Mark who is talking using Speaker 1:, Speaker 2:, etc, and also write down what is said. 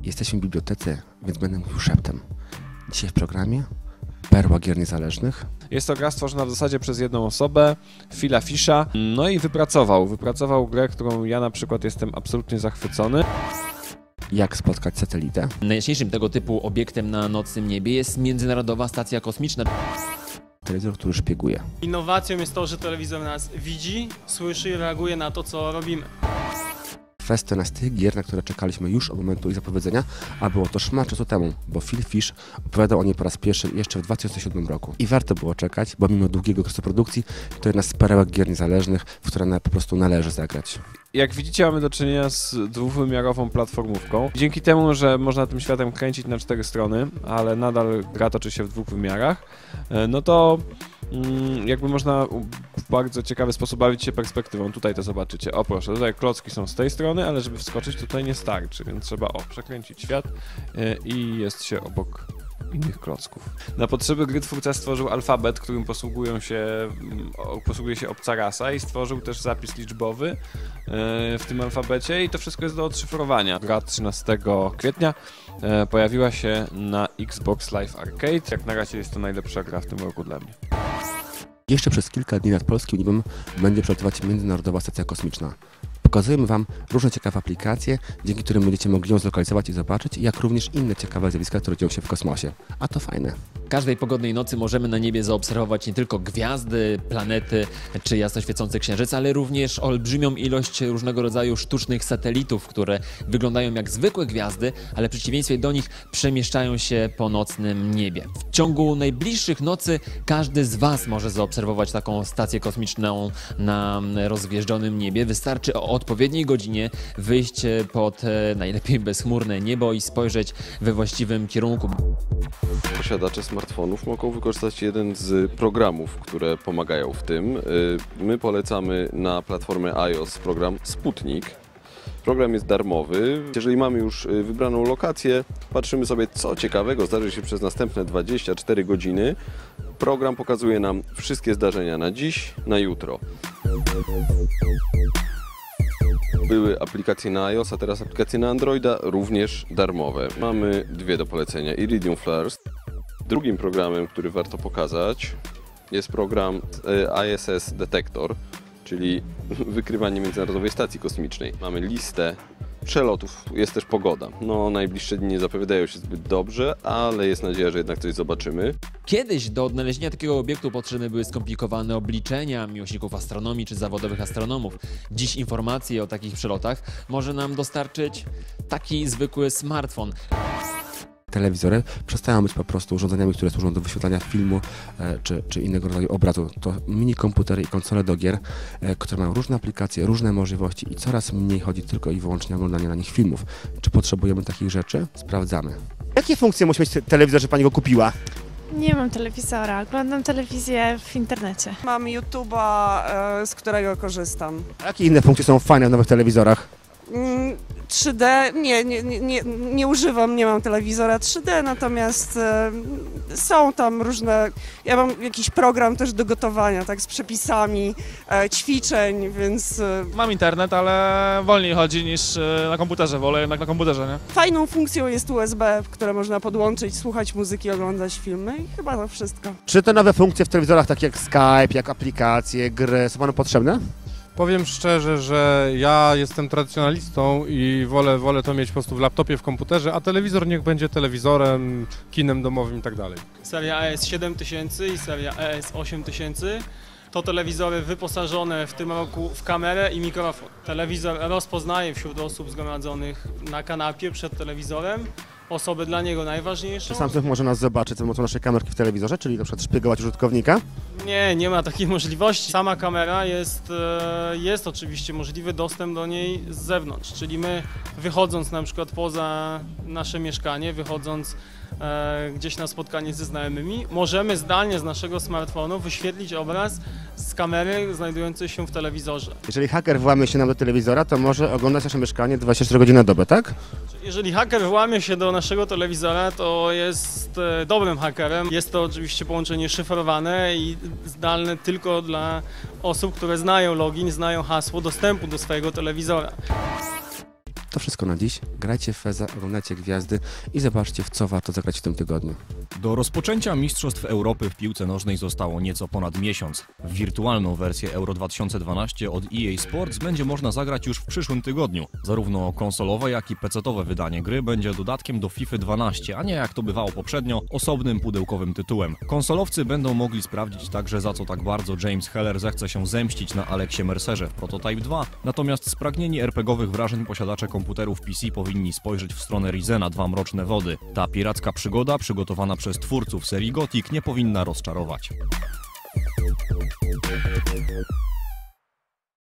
Speaker 1: Jesteśmy w bibliotece, więc będę mówił szeptem. Dzisiaj w programie perła gier niezależnych.
Speaker 2: Jest to gra stworzona w zasadzie przez jedną osobę, Phila Fisha. No i wypracował grę, którą ja na przykład jestem absolutnie zachwycony.
Speaker 1: Jak spotkać satelitę.
Speaker 3: Najjaśniejszym tego typu obiektem na nocnym niebie jest Międzynarodowa Stacja Kosmiczna.
Speaker 1: Telewizor, który szpieguje.
Speaker 4: Innowacją jest to, że telewizor nas widzi, słyszy i reaguje na to, co robimy.
Speaker 1: Kwestia nas tych gier, na które czekaliśmy już od momentu ich zapowiedzenia, a było to szmat czasu temu, bo Phil Fish opowiadał o niej po raz pierwszy jeszcze w 2007 roku. I warto było czekać, bo mimo długiego okresu produkcji to jedna z perełek gier niezależnych, w które po prostu należy zagrać.
Speaker 2: Jak widzicie, mamy do czynienia z dwuwymiarową platformówką. Dzięki temu, że można tym światem kręcić na 4 strony, ale nadal gra toczy się w 2 wymiarach, no to jakby można w bardzo ciekawy sposób bawić się perspektywą. Tutaj to zobaczycie. O proszę, tutaj klocki są z tej strony, ale żeby wskoczyć tutaj nie starczy, więc trzeba przekręcić świat i jest się obok innych klocków. Na potrzeby gry twórca stworzył alfabet, którym posługuje się obca rasa i stworzył też zapis liczbowy w tym alfabecie i to wszystko jest do odszyfrowania. Gra 13 kwietnia pojawiła się na Xbox Live Arcade. Jak na razie jest to najlepsza gra w tym roku dla mnie.
Speaker 1: Jeszcze przez kilka dni nad polskim niebem będzie przelatywać Międzynarodowa Stacja Kosmiczna. Pokazujemy Wam różne ciekawe aplikacje, dzięki którym będziecie mogli ją zlokalizować i zobaczyć, jak również inne ciekawe zjawiska, które dzieją się w kosmosie. A to fajne.
Speaker 3: Każdej pogodnej nocy możemy na niebie zaobserwować nie tylko gwiazdy, planety czy jasno świecący księżyc, ale również olbrzymią ilość różnego rodzaju sztucznych satelitów, które wyglądają jak zwykłe gwiazdy, ale w przeciwieństwie do nich przemieszczają się po nocnym niebie. W ciągu najbliższych nocy każdy z Was może zaobserwować taką stację kosmiczną na rozgwieżdżonym niebie. Wystarczy o odpowiedniej godzinie wyjść pod najlepiej bezchmurne niebo i spojrzeć we właściwym kierunku.
Speaker 5: Posiadacze smartfonów mogą wykorzystać jeden z programów, które pomagają w tym. My polecamy na platformę iOS program Sputnik. Program jest darmowy. Jeżeli mamy już wybraną lokację, patrzymy sobie, co ciekawego zdarzy się przez następne 24 godziny. Program pokazuje nam wszystkie zdarzenia na dziś, na jutro. Były aplikacje na iOS, a teraz aplikacje na Androida, również darmowe. Mamy 2 do polecenia. Iridium First. Drugim programem, który warto pokazać, jest program ISS Detector, czyli wykrywanie Międzynarodowej Stacji Kosmicznej. Mamy listę przelotów, jest też pogoda. No, najbliższe dni nie zapowiadają się zbyt dobrze, ale jest nadzieja, że jednak coś zobaczymy.
Speaker 3: Kiedyś do odnalezienia takiego obiektu potrzebne były skomplikowane obliczenia miłośników astronomii czy zawodowych astronomów. Dziś informacje o takich przelotach może nam dostarczyć taki zwykły smartfon.
Speaker 1: Telewizory przestają być po prostu urządzeniami, które służą do wyświetlania filmu czy innego rodzaju obrazu. To mini komputery i konsole do gier, które mają różne aplikacje, różne możliwości i coraz mniej chodzi tylko i wyłącznie o oglądanie na nich filmów. Czy potrzebujemy takich rzeczy? Sprawdzamy. Jakie funkcje musi mieć telewizor, że Pani go kupiła?
Speaker 6: Nie mam telewizora, oglądam telewizję w internecie.
Speaker 7: Mam YouTube'a, z którego korzystam.
Speaker 1: A jakie inne funkcje są fajne w nowych telewizorach?
Speaker 7: 3D, nie używam, nie mam telewizora 3D, natomiast są tam różne, ja mam jakiś program też do gotowania, tak, z przepisami, ćwiczeń, więc...
Speaker 8: Mam internet, ale wolniej chodzi niż na komputerze, wolę jednak na komputerze, nie?
Speaker 7: Fajną funkcją jest USB, które można podłączyć, słuchać muzyki, oglądać filmy i chyba to wszystko.
Speaker 1: Czy te nowe funkcje w telewizorach, takie jak Skype, jak aplikacje, gry, są Panu potrzebne?
Speaker 9: Powiem szczerze, że ja jestem tradycjonalistą i wolę to mieć po prostu w laptopie, w komputerze, a telewizor niech będzie telewizorem, kinem domowym i tak dalej.
Speaker 4: Seria ES7000 i seria ES8000 to telewizory wyposażone w tym roku w kamerę i mikrofon. Telewizor rozpoznaje wśród osób zgromadzonych na kanapie przed telewizorem osoby dla niego najważniejsze.
Speaker 1: Czy Samsung może nas zobaczyć za pomocą naszej kamerki w telewizorze, czyli na przykład szpiegować użytkownika?
Speaker 4: Nie ma takiej możliwości. Sama kamera jest oczywiście możliwy dostęp do niej z zewnątrz, czyli my wychodząc na przykład poza nasze mieszkanie, wychodząc gdzieś na spotkanie ze znajomymi, możemy zdalnie z naszego smartfonu wyświetlić obraz z kamery znajdującej się w telewizorze.
Speaker 1: Jeżeli haker włamie się nam do telewizora, to może oglądać nasze mieszkanie 24 godziny na dobę, tak?
Speaker 4: Jeżeli haker włamie się do naszego telewizora, to jest dobrym hakerem. Jest to oczywiście połączenie szyfrowane i zdalne tylko dla osób, które znają login, znają hasło dostępu do swojego telewizora.
Speaker 1: To wszystko na dziś. Grajcie w Feza, oglądajcie gwiazdy i zobaczcie, w co warto zagrać w tym tygodniu.
Speaker 10: Do rozpoczęcia Mistrzostw Europy w piłce nożnej zostało nieco ponad miesiąc. W wirtualną wersję Euro 2012 od EA Sports będzie można zagrać już w przyszłym tygodniu. Zarówno konsolowe, jak i PC-towe wydanie gry będzie dodatkiem do FIFA 12, a nie jak to bywało poprzednio, osobnym pudełkowym tytułem. Konsolowcy będą mogli sprawdzić także, za co tak bardzo James Heller zechce się zemścić na Aleksie Mercerze w Prototype 2, natomiast spragnieni RPGowych wrażeń posiadacze komputerów PC powinni spojrzeć w stronę Risena 2 Mroczne Wody. Ta piracka przygoda, przygotowana przez twórców serii Gothic, nie powinna rozczarować.